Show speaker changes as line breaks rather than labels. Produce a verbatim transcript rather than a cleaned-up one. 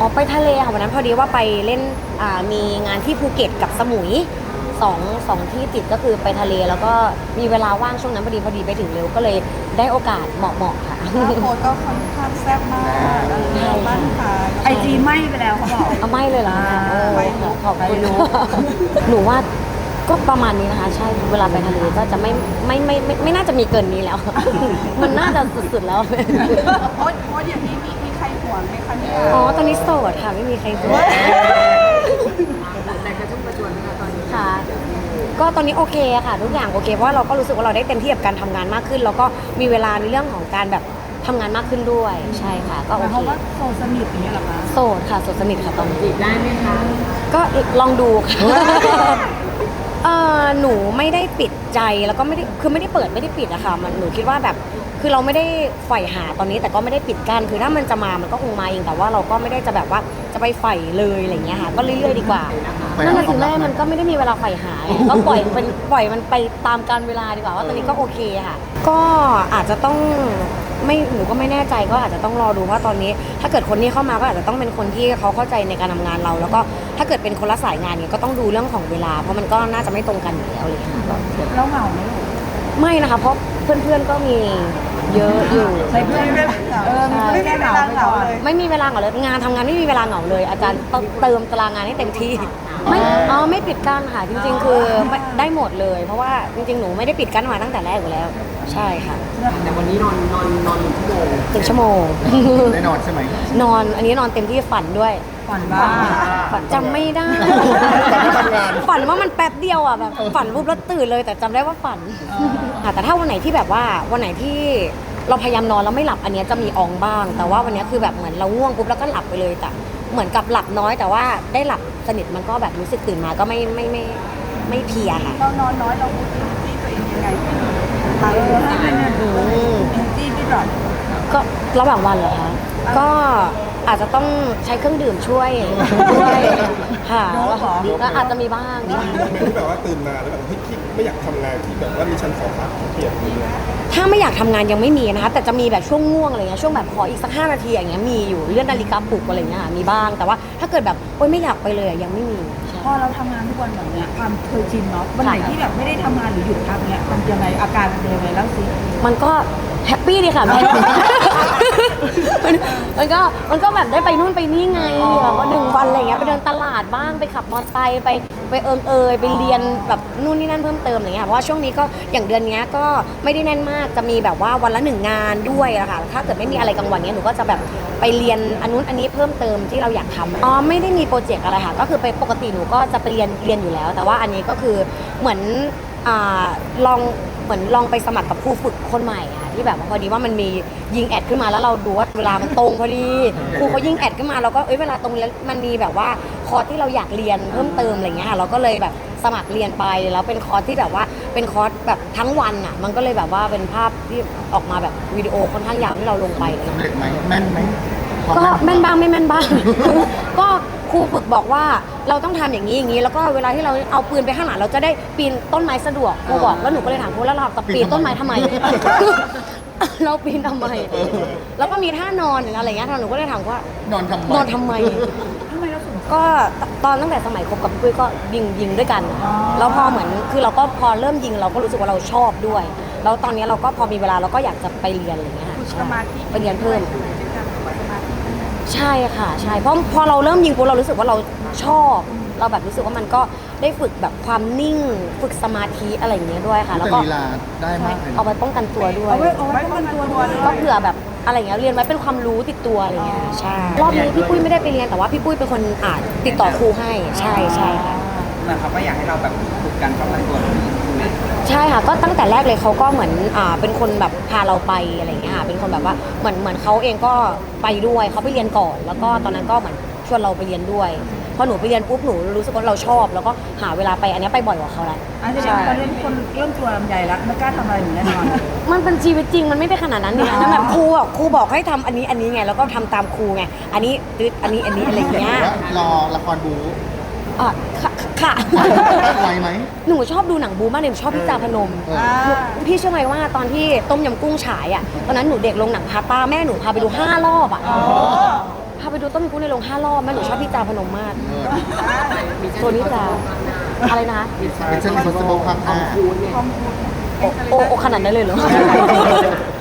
อไปทะเลค่ะวันนั้นพอดีว่าไปเล่นอ่ามีงานที่ภูเก็ตกับสมุยสองสองที่ติดก็คือไปทะเลแล้วก็มีเวลาว่างช่วงนั้นพอดีพอดีไปถึงเร็วก็เลยได้โอกาสเหมาะๆค่ะ
หน้าโพสก็ค่อนข้างแซ่บมากเออบ้านค่ะ
ไอจีไหม้ไปแล้วเขาบอก
เอาไม่เลยเหรอคะโอ้
ไม่
ขอขอบคุณ
ไม่รู้
หนูว่าก็ประมาณนี้นะคะใช่เวลาไปทะเลก็จะไม่ไม่ไม่ไม่ไม่น่าจะมีเกินนี้แล้ว มันน่าจะสุดๆแล้ว
โพสโพสอย่างนี้มีมีใครห่วงไหมคะเนี่ย
อ๋อตอนนี้โสดค่ะไม่มีใครห่วง
แต่กระชุ่มกระชวยนะคะตอนนี้
ค่ะก็ตอนนี้โอเคค่ะทุกอย่างโอเคเพราะว่าเราก็รู้สึกว่าเราได้เต็มที่กับการทำงานมากขึ้นแล้วก็มีเวลาในเรื่องของการแบบทำงานมากขึ้นด้วยใช่ค่ะก็
ห
โอ
มาย
เค
ความว่าโซสนิทอย่างเงี้ยเหรอคะ
โสดค่ะโสดสนิทค่ะตอนนี้
จีบได้ไหมคะ
ก็ลองดูค่ะเออหนูไม่ได้ปิดใจแล้วก็ไม่ได้คือไม่ได้เปิดไม่ได้ปิดอะค่ะมันหนูคิดว่าแบบคือเราไม่ได้ใฝ่หาตอนนี้แต่ก็ไม่ได้ปิดกั้นคือถ้ามันจะมามันก็คงมาเองแต่ว่าเราก็ไม่ได้จะแบบว่าจะไปใฝ่เลยอะไรเงี้ยค่ะก็เรื่อยๆดีกว่านั่นแหละสิแม่มันก็ไม่ได้มีเวลาใฝ่หาก็ปล่อยเป็นปล่อยมันไปตามกาลเวลาดีกว่าว่าตอนนี้ก็โอเคค่ะก็อาจจะต้องไม่หนูก็ไม่แน่ใจก็อาจจะต้องรอดูว่าตอนนี้ ถ้าเกิดคนที่เข้ามาก็อาจจะต้องเป็นคนที่เขาเข้าใจในการทำงานเรา แล้วก็ถ้าเกิดเป็นคนละสายงานเนี่ยก็ต้องดูเรื่องของเวลาเพราะมันก็น่าจะไม่ตรงกันอยู่แล้วเลยค่ะ
แล้วเหงาไหมลูก
ไม่นะคะเพราะเพื่อนๆก็มีเยอะอยู่
ใช้เพื่อนเออมีเพื่อนแก้เหงาไปก่อน
ไม่มีเวลาเหงาเลยงานทำงานไม่มีเวลาเหงาเลย อาจารย์ต้องเติมตารางงานให้เต็มที่ไม่อ๋อไม่ปิดกั้นค่ะจริง ๆ คือไม่ได้หมดเลย เพราะว่าจริงๆหนูไม่ได้ปิดกั้นมาตั้งแต่แรกอยู่แล้ว ใช่ค่ะ
แต่วันนี้นอนนอนนอนหนึ่งชั่วโมง
หนึ่งชั่วโมง
ได้นอนใช่ไหม
นอนอันนี้นอนเต็มที่ฝันด้วย
ฝันว่า
ฝันจำไม่ได้
ฝันว่าทำงาน
ฝันว่ามันแป๊บเดียวอ่ะแบบฝันปุ๊บแล้วตื่นเลยแต่จำได้ว่าฝันค่ะแต่ถ้าวันไหนที่แบบว่าวันไหนที่เราพยายามนอนแล้วไม่หลับอันเนี้ยจะมีอองบ้าง แต่ว่าวันเนี้ยคือแบบเหมือนเราง่วงปุ๊บแล้วก็หลับไปเลยแต่เหมือนกับหลับน้อย แต่ว่าได้หลับสนิทมันก็แบบรู้สึกตื่นมาก็ไม่ไม่ไม่ไม่เพลียค่ะ
เรานอนน้อยเราพูดที่ตัวเองยังไงตาย
เออให้เป็น
อืม
จี้พี่ดรอป
ก็ระหว่างวันเหรอคะก็อาจจะต้องใช้เครื่องดื่มช่วยช่วยค่ะก็อาจจะมีบ้างค่ะ
คือแบบว่าตื่นมาแล้วแบบเฮ้ยคิดไม่อยากทำงานที่แบบว่ามีชั้นสองพักเกลียดนี่นะ
ถ้าไม่อยากทำงานยังไม่มีนะคะแต่จะมีแบบช่วงง่วงอะไรเงี้ยช่วงแบบขออีกสักห้านาทีอย่างเงี้ยมีอยู่เลื่อนนาฬิกาปลุกอะไรเงี้ยค่ะมีบ้างแต่ว่าถ้าเกิดแบบโอ๊ยไม่อยากไปเลยอะยังไม่มีใช่
พอเราทำงานทุกวันแบบเนี้ยความเคยชินเนาะวันไหนที่แบบไม่ได้ทำงานหรือหยุดพักเนี้ยมันยังไงอาการมันเป็นยังไงเล่าสิ
มันก็แฮปปี้ดีค่ะแม่ มันมันก็มันก็แบบได้ไปนู่นไปนี่ไงแบบว่าหนึ่งวันอะไรเงี้ยไปเดินตลาดบ้างไปขับมอเตอร์ไซค์ไปไปเอิงเอยไปเรียนแบบนู่นนี่นั่นเพิ่มเติมอะไรเงี้ยเพราะว่าช่วงนี้ก็อย่างเดือนเนี้ยก็ไม่ได้แน่นมากจะมีแบบว่าวันละหนึ่งงานด้วยอะค่ะถ้าเกิดไม่มีอะไรกลางวันเนี้ยหนูก็จะแบบไปเรียนอันนู้นอันนี้เพิ่มเติมที่เราอยากทำอ๋อไม่ได้มีโปรเจกต์อะไรค่ะก็คือไปปกติหนูก็จะไปเรียนเรียนอยู่แล้ว แต่ว่าอันนี้ก็คือเหมือนอ่าลองเหมือนลองไปสมัครกับครูฝึกคนใหม่ค่ะที่แบบว่าพอดีว่ามันมียิงแอดขึ้นมาแล้วเราดูว่าเวลามันตรงพอดีครูเขายิงแอดขึ้นมาเราก็เอ้ยเวลาตรงแล้วมันมีแบบว่าคอร์สที่เราอยากเรียนเพิ่มเติมอะไรเงี้ยค่ะเราก็เลยแบบสมัครเรียนไปแล้วเป็นคอร์สที่แบบว่าเป็นคอร์สแบบทั้งวันอ่ะมันก็เลยแบบว่าเป็นภาพที่ออกมาแบบวิดีโอค่อนข้างยาวที่เราลงไปเลย
สำเร็จไหมแม่นไหม
ก็แม่นบ้างไม่แม่นบ้าง ก็ครูฝึกบอกว่าเราต้องทำอย่างนี้อย่างนี้แล้วก็เวลาที่เราเอาปืนไปข้างหลังเราจะได้ปีนต้นไม้สะดวกครูบอกแล้วหนูก็เลยถามครูแล้วเราจะปีนต้นไม้ทำไม เราปีนทำไม แล้วก็มีท่านอนหรืออะไรเงี้ยหนูก็เลยถามว่าน
อนทำไม
นอนทำไม
ทำไมเราถึง
ก็ตอนตั้งแต่สมัยคบกับพี่ปุ้ยก็ยิงยิงด้วยกัน แล้วพอเหมือนคือเราก็พอเริ่มยิงเราก็รู้สึกว่าเราชอบด้วย แล้วตอนนี้เราก็พอมีเวลาเราก็อยากจะไปเรียนอะไรเงี้ยค่ะ
สมาธิ
ไปเรียนเพิ่ม
เป็นการฝึกสมาธิ
ใช่ค่ะใช่เพราะพอเราเริ่มยิงปุ๊บเรารู้สึกว่าเราชอบ เราแบบรู้สึกว่ามันก็ได้ฝึกแบบความนิ่งฝึกสมาธิอะไรอย่างเงี้ยด้วยค่ะ แล้ว
แต่
ก็
ลีลาได้มากเลย
เอา
นะ
ไว้ป้องกันตัวด้วย
เอาไว้เอาไว้ป้องกันตัวด้วย
ก็เผื่อแบบอะไรอย่างเงี้ยเรียนไว้เป็นความรู้ติดตัวอะไรเงี้ยใช่รอบนี้พี่ปุ้ยไม่ได้ไปเรียนแต่ว่าพี่ปุ้ยเป็นคนอ่านติดต่อครูให้ใช่ใช่ค่ะ
นะครับก็อยากให้เราแบบฝึกการป้องกันตัวตรงนี้
ใช่ค่ะก็ตั้งแต่แรกเลยเขาก็เหมือนอ่าเป็นคนแบบพาเราไปอะไรอย่างเงี้ยค่ะเป็นคนแบบว่าเหมือนเหมือนเขาเองก็ไปด้วยเขาไปเรียนก่อน แล้วก็ตอนนั้นก็เหมือนชวนเราไปเรียนด้วยพอหนูไปเรียนปุ๊บหนูรู้สึกว่าเราชอบ แล้วก็หาเวลาไปอันเนี้ยไปบ่อยกว่าเขาแล้ว
อันนี้ตอนนี้คนเริ่มตัวลำใหญ่แล้วไม่กล้าทำอะไรหนูแน่นอน
มันเป็นชีวิตจริงมันไม่ได้ขนาดนั้นนี่นะนั่นแบบครูอ่ะครูบอกให้ทำอันนี้อันนี้ไงแล้วก็ทำตามครูไงอันนี้ตึ๊ดอันนี้อันนี้อะไรอย่างเงี้ย
ว่ารอละครบู
อ่ะค่ะค่ะ
ไหวไหม
หนูชอบดูหนังบูมากเลยหนูชอบพี่จาพนม
เออ
หนูพี่เชื่อไหมว่าตอนที่ต้มยำกุ้งฉายอ่ะตอนนั้นหนูเด็กลงหนังพาต้าแม่หนูพาไปดูห้ารอบอ่ะาไปดูต้นพุในโรงห้ารอบแม่หนูชอบพี่จาพนมมาก
เออ
โซนิจาอะไรนะ
เป็นเช่น impossible ภาคห้า
โอโอขนาดนั้นเลยเหรอ